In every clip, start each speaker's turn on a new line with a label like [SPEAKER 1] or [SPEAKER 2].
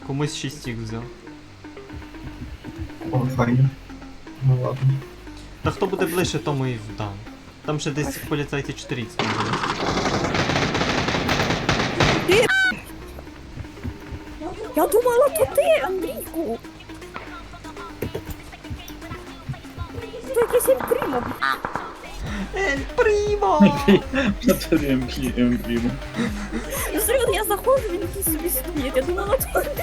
[SPEAKER 1] Комусь 6 їх взяв.
[SPEAKER 2] О, файно. Ну ладно.
[SPEAKER 1] Та хто буде ближче, тому і вдам. Там ще десь поліцайці 40 буде.
[SPEAKER 3] Я думала, то ти, Андрійку. Це якийсь Ельпрімо.
[SPEAKER 1] Ель Прімо!
[SPEAKER 4] Це Емблімо.
[SPEAKER 3] Ну, серйозно, я заходжу, він якийсь собі стоїть. Я думала, то Андрій.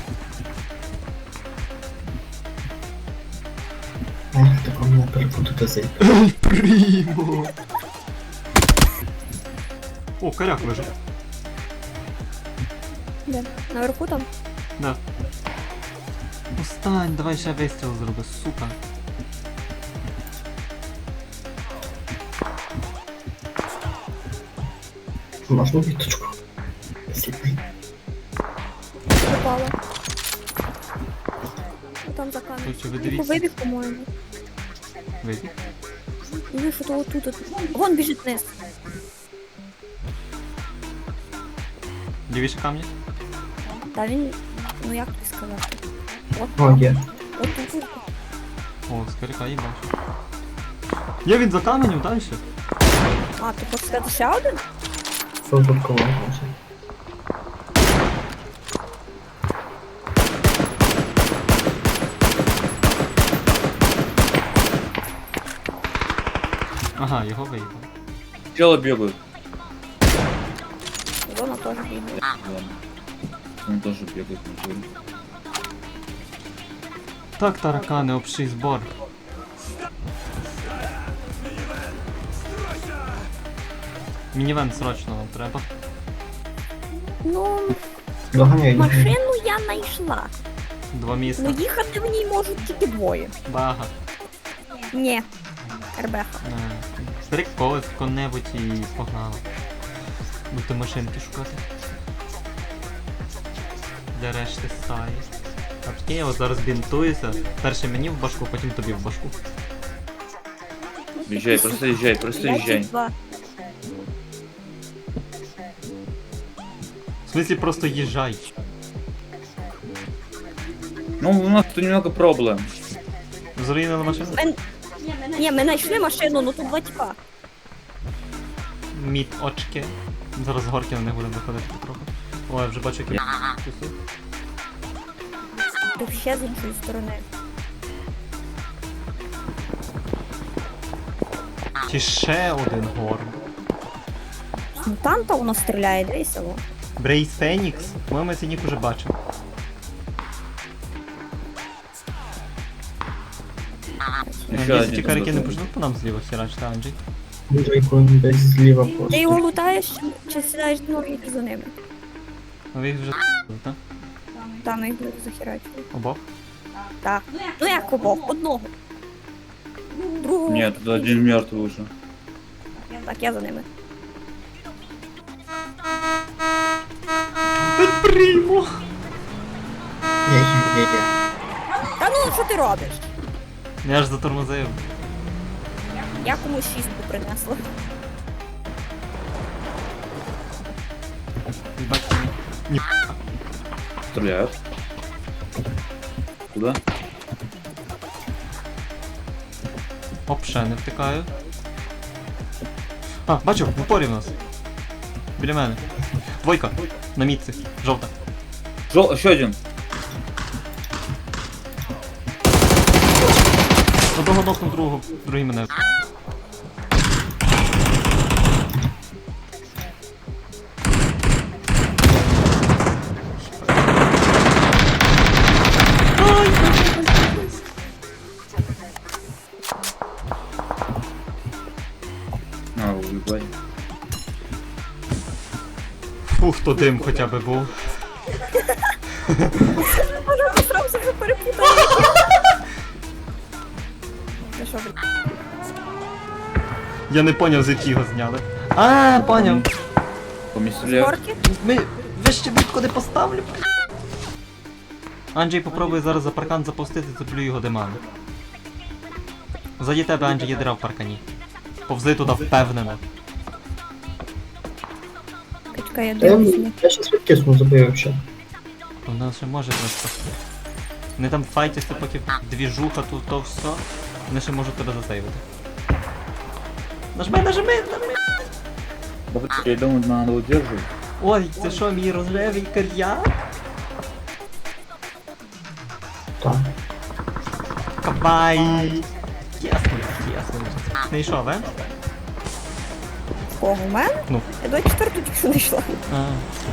[SPEAKER 2] Ех, тако мене перепутати зайти.
[SPEAKER 1] Ель Прімо! О, коряк лежить.
[SPEAKER 3] Де? Наверху там?
[SPEAKER 1] Да. Устань, давай ще вистріл зроби, сука.
[SPEAKER 2] Можна віточку? Сліпий.
[SPEAKER 3] Попала. Там за камерою.
[SPEAKER 1] Тут ви дивіться.
[SPEAKER 3] Вибіг, по-моєму.
[SPEAKER 1] Вийди.
[SPEAKER 3] Ну, що то отут. Вон біжить вниз.
[SPEAKER 1] Лівіше камні?
[SPEAKER 3] Та він, ну як тобі сказати?
[SPEAKER 2] О, є.
[SPEAKER 3] От тут.
[SPEAKER 1] О, з коряка їй бачу. Є він за каменем, далі?
[SPEAKER 3] А, ти хочеш сказати ще один?
[SPEAKER 2] Це випадково, може.
[SPEAKER 1] Ага, його виїбав.
[SPEAKER 4] Чело бегают.
[SPEAKER 3] Зона теж бігає.
[SPEAKER 4] Ладно. Он тоже бегает на жире.
[SPEAKER 1] Так, таракани, общий збор. Мінівен срочно нам треба.
[SPEAKER 3] Ну,
[SPEAKER 2] Доганяй.
[SPEAKER 3] машину я знайшла.
[SPEAKER 1] 2 міста.
[SPEAKER 3] Ну їхати в ній можуть тільки двоє.
[SPEAKER 1] Бага.
[SPEAKER 3] Ні. РБХ.
[SPEAKER 1] Стрик когось кого-небудь і погнали. Будете машинки шукати. Для решти стаї. А прикинь, я от зараз бінтуюся. Перше мені в башку, потім тобі в башку.
[SPEAKER 4] Езжай, просто езжай.
[SPEAKER 3] 2.
[SPEAKER 1] В смислі просто їжджай.
[SPEAKER 4] Ну, у нас тут немного проблем.
[SPEAKER 1] Зруйнила машину?
[SPEAKER 3] Ні, ми знайшли машину, ну тут два тіпа.
[SPEAKER 1] Мід очки. Зараз з горки на них будемо виходити потроху. Ой, я вже бачу, як я кусу.
[SPEAKER 3] Ти ще з іншої сторони.
[SPEAKER 1] Чи ще один горб.
[SPEAKER 3] Ну там то воно стріляє, дивися. Во.
[SPEAKER 1] Брейс Фенікс? По-моєму, я цей нік уже бачив.
[SPEAKER 4] Еще
[SPEAKER 1] Якщо ті
[SPEAKER 4] один.
[SPEAKER 1] карики не почнуть по нам зліва херачити, Анджей.
[SPEAKER 2] Андрійко десь зліва
[SPEAKER 3] Ти
[SPEAKER 2] просто.
[SPEAKER 3] його лутаєш чи сідаєш ноги за ними?
[SPEAKER 1] Ну ви їх вже так?
[SPEAKER 3] Там їх буде захерачити.
[SPEAKER 1] Обох?
[SPEAKER 3] Так. Ну як обох? Одного. Другого.
[SPEAKER 4] Нет, тут один мертвый уже.
[SPEAKER 3] Так, я за ними.
[SPEAKER 1] Прімо!
[SPEAKER 2] Є.
[SPEAKER 3] Та ну, що ти робиш?
[SPEAKER 1] Я ж затормозив.
[SPEAKER 3] Я комусь шістку принесла.
[SPEAKER 1] Бачите? Ні.
[SPEAKER 4] Стреляют. Куда?
[SPEAKER 1] Оп, ще не втикаю. А, бачу, в упорі в нас. Біля мене. Двойка. На мітці. Жовта.
[SPEAKER 4] Еще один.
[SPEAKER 1] Одного нокнув другого, другий мене.
[SPEAKER 4] А, уебать.
[SPEAKER 1] Фух, то дим хоча б був.
[SPEAKER 3] Може, постарався вже перепутати. Ти що, блядь?
[SPEAKER 1] Я не поняв, звідки його зняли. А, поняв.
[SPEAKER 4] Поместили.
[SPEAKER 3] Горки?
[SPEAKER 1] Ви ще бітку не поставлю. Анджей попробує зараз за паркан запустити, цеплю його димами. Ззаді тебе, Анджей, є дира в паркані. Повзи туди впевнено.
[SPEAKER 3] Чекай, я
[SPEAKER 2] Та
[SPEAKER 3] дивлюсь.
[SPEAKER 2] я щас відкисну, забив взагалі.
[SPEAKER 1] Вона ще може просто. Вони там файтяться, поки двіжуха тут то все. Вони ще можуть тебе засейвити. Нажми!
[SPEAKER 4] Да, я думаю, надо удерживать.
[SPEAKER 1] Ой, це що, мій рожевий кар'яр?
[SPEAKER 2] Так.
[SPEAKER 1] Кабай! Ясно. Не йшов, е?
[SPEAKER 3] Кого, у мене?
[SPEAKER 1] Ну.
[SPEAKER 3] Я до 4 тільки що не йшла.
[SPEAKER 1] А,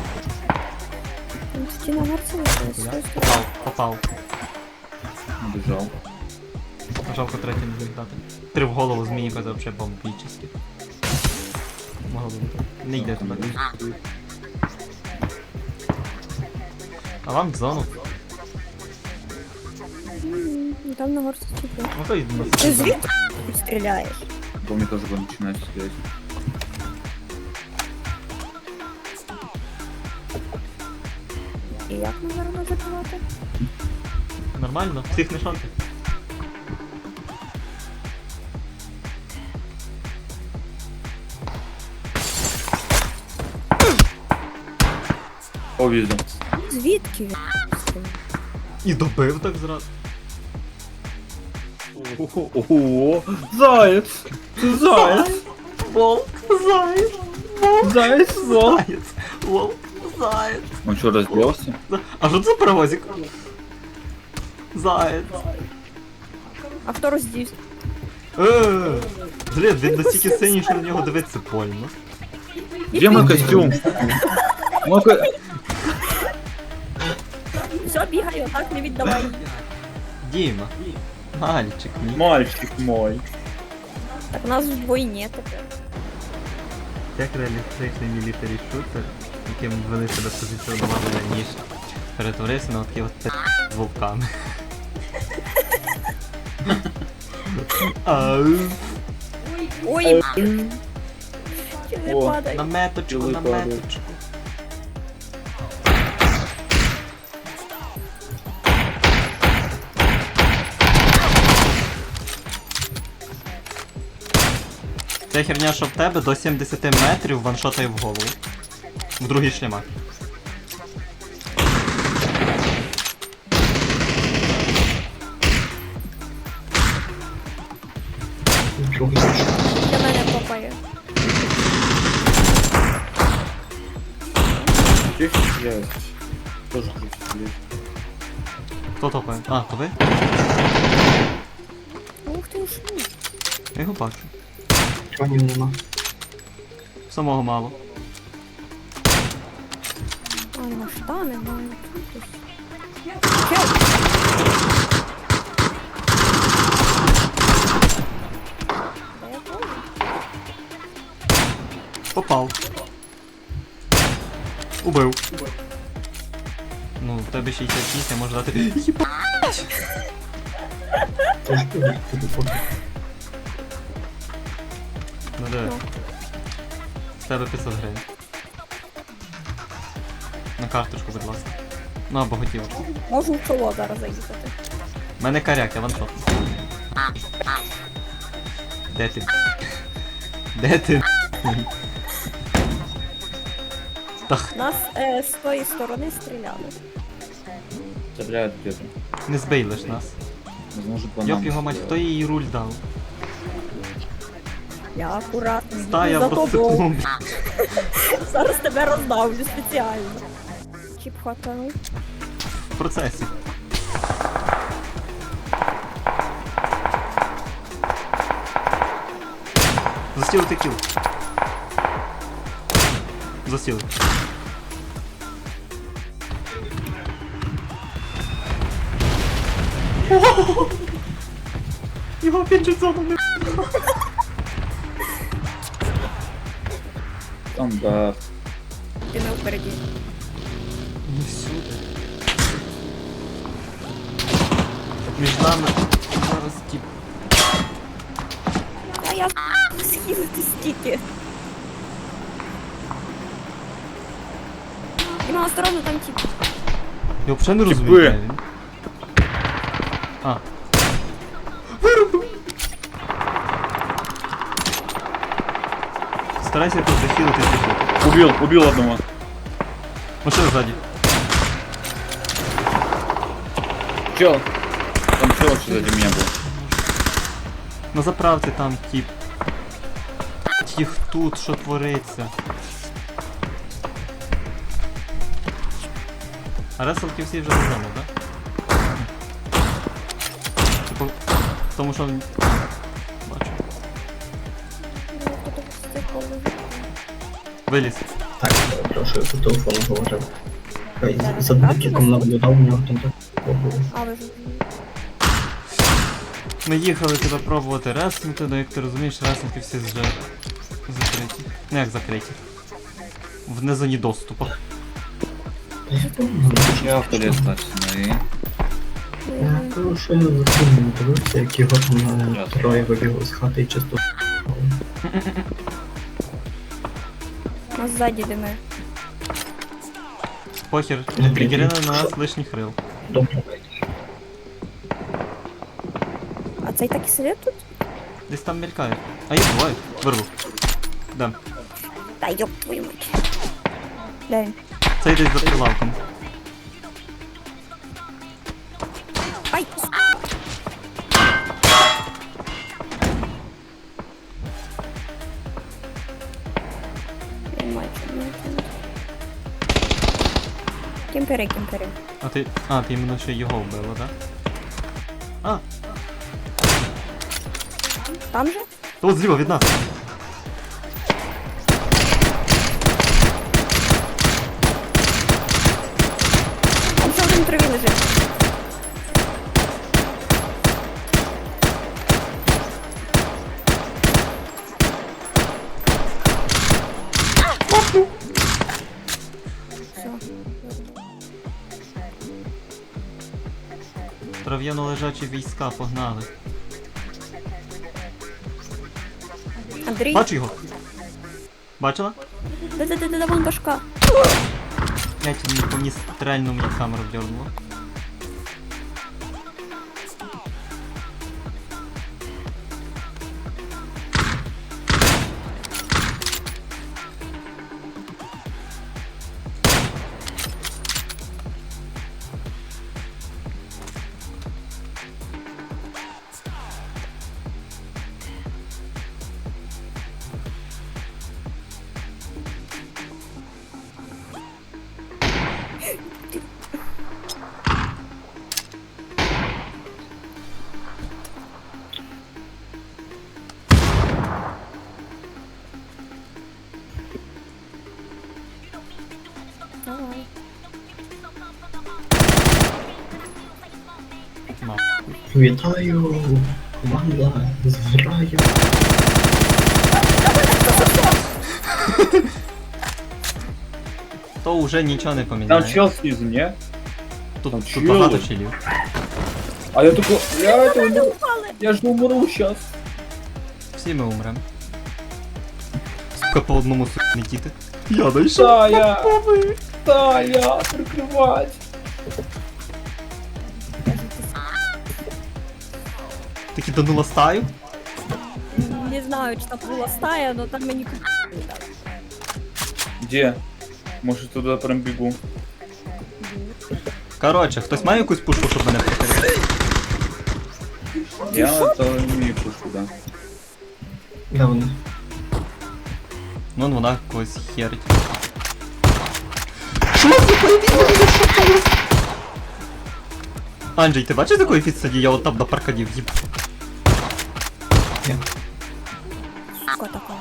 [SPEAKER 3] Ну, тоді на горці лишилась.
[SPEAKER 1] попав.
[SPEAKER 4] Убежал.
[SPEAKER 1] Жалко третій не зміг дати. 3 в голову змії, це взагалі бомбічні. Могло бути. Не йде тебе. А вам в зону.
[SPEAKER 3] Там на горці тільки.
[SPEAKER 1] Ну то йду на
[SPEAKER 3] Ти звідки стріляєш?
[SPEAKER 4] По мне тоже будем начинать стрелять.
[SPEAKER 3] І як ми зараз забивати?
[SPEAKER 1] Нормально, всіх не шанти.
[SPEAKER 4] О, вижу.
[SPEAKER 3] Звідки він стріляє?
[SPEAKER 1] І добив так зразу.
[SPEAKER 4] О, заяц! Ты заяц!
[SPEAKER 1] Волк, заяць,
[SPEAKER 4] Заяц, волк!
[SPEAKER 1] заяць, волк, заяць.
[SPEAKER 4] Он что, разбился?
[SPEAKER 1] А що це за паровозик? Заяць.
[SPEAKER 3] А хто роздівся?
[SPEAKER 1] Блін, він настільки синій, що на нього дивитися больно.
[SPEAKER 4] Где мой костюм?
[SPEAKER 3] Все, бігай, отак не віддавай.
[SPEAKER 1] Діма. Мальчик мій.
[SPEAKER 4] Мальчик мой.
[SPEAKER 3] Так у нас вдвойні тепер.
[SPEAKER 1] Як реалістичний мілітарі шутер, яким вони себе позиціонували раніше, перетворився на такі от з вовками. Ау.
[SPEAKER 3] Ой, чи не
[SPEAKER 4] О,
[SPEAKER 3] падай.
[SPEAKER 1] На меточку. Ця херня, що в тебе до 70 метрів ваншотає в голову. В другий шлемак.
[SPEAKER 2] Нічого.
[SPEAKER 3] Для мене попає.
[SPEAKER 4] Чё их стреляют? Тоже хочу стрелять.
[SPEAKER 1] Хто топає? А, то ви?
[SPEAKER 3] Ух ти ж.
[SPEAKER 1] Я його бачу.
[SPEAKER 2] Чого нема?
[SPEAKER 1] Самого мало.
[SPEAKER 3] А, нема штани, маю.
[SPEAKER 1] Попав. Убив. Ну, в тебе 66, я можу дати.
[SPEAKER 2] Це ж ти поки.
[SPEAKER 1] Ну диви. З тебе 500 гривень. На карточку, будь ласка. Ну або готівочку.
[SPEAKER 3] Можу в чоло зараз заїхати.
[SPEAKER 1] У мене коряк, я ваншот. Де ти? Де ти? Тах,
[SPEAKER 3] Нас з тої сторони стріляли.
[SPEAKER 4] Стреляют где-то.
[SPEAKER 1] не збий лиш нас.
[SPEAKER 4] Возможно, по
[SPEAKER 1] Йоп
[SPEAKER 4] нам
[SPEAKER 1] його мать, хто їй руль дав?
[SPEAKER 3] Я акуратно.
[SPEAKER 1] Стая
[SPEAKER 3] за
[SPEAKER 1] в
[SPEAKER 3] тобою.
[SPEAKER 1] розсипну.
[SPEAKER 3] Зараз тебе роздавлю спеціально. Чіп хватав.
[SPEAKER 1] В процесі. Застілити кіл. Застіли. Його пінчить зону не.
[SPEAKER 4] Стандарт.
[SPEAKER 3] Ти не впереді.
[SPEAKER 1] Не всюди. Між нами зараз тип.
[SPEAKER 3] А я схилити стільки. Діма, осторожно, там тип.
[SPEAKER 1] Я взагалі не
[SPEAKER 4] Типи.
[SPEAKER 1] розумію, де він. А. Вирубив! Старайся тут захилити.
[SPEAKER 4] Убил одного.
[SPEAKER 1] Машина ззаді.
[SPEAKER 4] чел. Там чел сзади меня был.
[SPEAKER 1] На заправці там тип. Їх тут, що твориться. А реселки всі вже додому, так? Типу, тому що... Бачу. Виліз.
[SPEAKER 2] Так, прошу, я по телефону говорив. За датчиком наблюдав, у нього там так було.
[SPEAKER 3] А, ви ж.
[SPEAKER 1] Ми їхали тебе пробувати реснути, але як ти розумієш, ресники всі вже закриті. Ну як закриті? В незоні доступу.
[SPEAKER 4] Я в туалет точно.
[SPEAKER 2] Я прошу, я за цим не дивився, як його там троє вибігли з хати і чисто.
[SPEAKER 3] Нас ззаді дими.
[SPEAKER 1] Похер,
[SPEAKER 2] Ну,
[SPEAKER 1] пригірили на
[SPEAKER 2] що?
[SPEAKER 1] нас лишніх рил.
[SPEAKER 2] Добре.
[SPEAKER 3] А цей так і сидить тут?
[SPEAKER 1] Десь там мелькає. А їх двоє. Вирву. Де?
[SPEAKER 3] Та йоп твою мать. Де він?
[SPEAKER 1] Цей десь за прилавком.
[SPEAKER 3] Ай! Твою мать, твою мать. Кемпери, кемпери.
[SPEAKER 1] А, ти іменно ще його вбила, так? А,
[SPEAKER 3] Там же?
[SPEAKER 1] то от зліва від нас.
[SPEAKER 3] Там ще один траві лежить. Все.
[SPEAKER 1] Трав'яно лежачі війська погнали.
[SPEAKER 3] Андрій?
[SPEAKER 1] Бачу його. Бачила?
[SPEAKER 3] Да-да-да-да, вон башка.
[SPEAKER 1] Я ті по мені стрельну мені камеру дернуло.
[SPEAKER 3] Давай.
[SPEAKER 1] На.
[SPEAKER 2] Вітаю! Команда з граю.
[SPEAKER 1] То вже нічого не
[SPEAKER 4] Там
[SPEAKER 1] поміняє.
[SPEAKER 4] чел снизу, не?
[SPEAKER 1] Тут,
[SPEAKER 4] там
[SPEAKER 1] тут
[SPEAKER 4] чел.
[SPEAKER 1] багато челів.
[SPEAKER 4] А я только... Я же умру сейчас.
[SPEAKER 1] Всі ми умрем. Сука, по одному не діти. Я дійшов.
[SPEAKER 4] Тая! Тая! Прикрывать!
[SPEAKER 1] Ти киданула стаю?
[SPEAKER 3] Не знаю, чи там була стая, но там мені
[SPEAKER 4] Где? Может туда прям бегу.
[SPEAKER 1] Коротше, хтось має якусь пушку, щоб мене прикрити?
[SPEAKER 4] Я это не имею пушку, да.
[SPEAKER 2] Де вони?
[SPEAKER 1] Ну, вона когось херить. Анджей, ти бачиш, з якої фіт я от там до паркадів їб?
[SPEAKER 2] Ні.
[SPEAKER 3] сука така.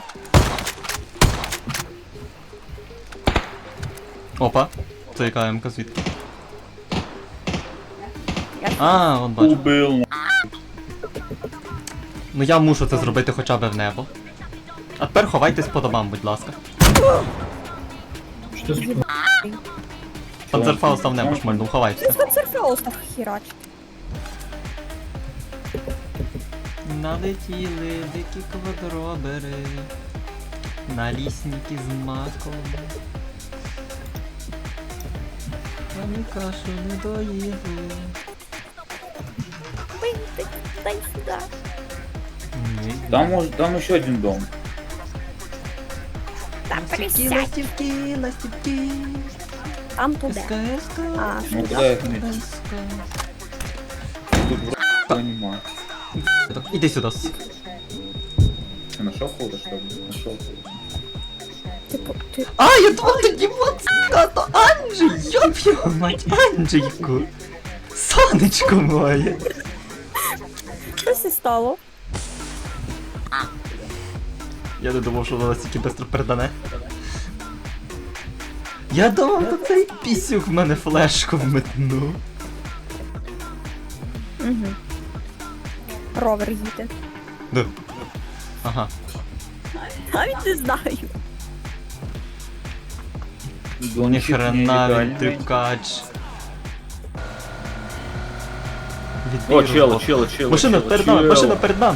[SPEAKER 1] Опа, це яка МК звідки?
[SPEAKER 3] Я
[SPEAKER 1] А, от бачу.
[SPEAKER 4] Убил.
[SPEAKER 1] Ну я мушу це зробити хоча б в небо. А тепер ховайтесь по домам, будь ласка.
[SPEAKER 2] Що це?
[SPEAKER 1] Панцерфауст в небо шмальнув, ховайтеся.
[SPEAKER 3] Спецерфеус так хірач.
[SPEAKER 1] Налетіли дикі квадробери. На лісники з маком. Вони кашу не доїли.
[SPEAKER 3] Пинтик, дай сюди.
[SPEAKER 1] Ні.
[SPEAKER 4] Там еще один дом.
[SPEAKER 3] Там
[SPEAKER 1] Ластівки,
[SPEAKER 3] присядь.
[SPEAKER 1] ластівки, ластівки.
[SPEAKER 3] Там туди.
[SPEAKER 1] СКС.
[SPEAKER 3] А,
[SPEAKER 4] Ну
[SPEAKER 3] що?
[SPEAKER 4] куда их метить? тут вроде нема.
[SPEAKER 1] Іди сюди.
[SPEAKER 4] Ты нашел кого-то, что ли? Нашел.
[SPEAKER 3] Типу, ти...
[SPEAKER 1] А, я думав, то Дімон, то Анджей, йоп його мать, Анджейку. Сонечко моє.
[SPEAKER 3] Щось і стало.
[SPEAKER 1] Я не думав, що воно настільки швидко передане. Я думав, що цей пісюк в мене флешку вметнув.
[SPEAKER 3] Угу. Ровер їде.
[SPEAKER 1] Да. Ага.
[SPEAKER 3] Навіть не знаю.
[SPEAKER 1] Ніхрена він трюкач.
[SPEAKER 4] О, чел.
[SPEAKER 1] Машина
[SPEAKER 4] чел,
[SPEAKER 1] перед нами,
[SPEAKER 4] чел.
[SPEAKER 1] машина перед нами.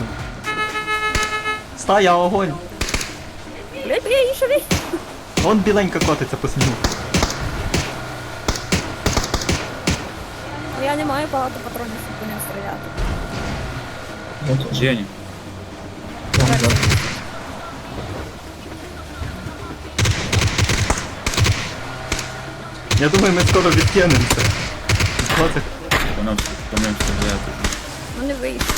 [SPEAKER 1] Стая, огонь.
[SPEAKER 3] Блять, я її шові.
[SPEAKER 1] Вон біленька котиться по снігу.
[SPEAKER 3] Я не маю багато патронів, щоб по ним стріляти.
[SPEAKER 2] Вот,
[SPEAKER 4] Где они?
[SPEAKER 2] вон, да.
[SPEAKER 1] Я думаю, ми скоро відкинемося. Котик.
[SPEAKER 4] По нам стреляют уже.
[SPEAKER 3] Ну не вийшло.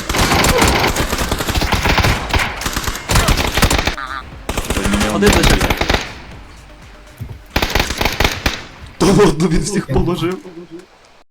[SPEAKER 1] Один лишився. Та ладно, він всіх положив.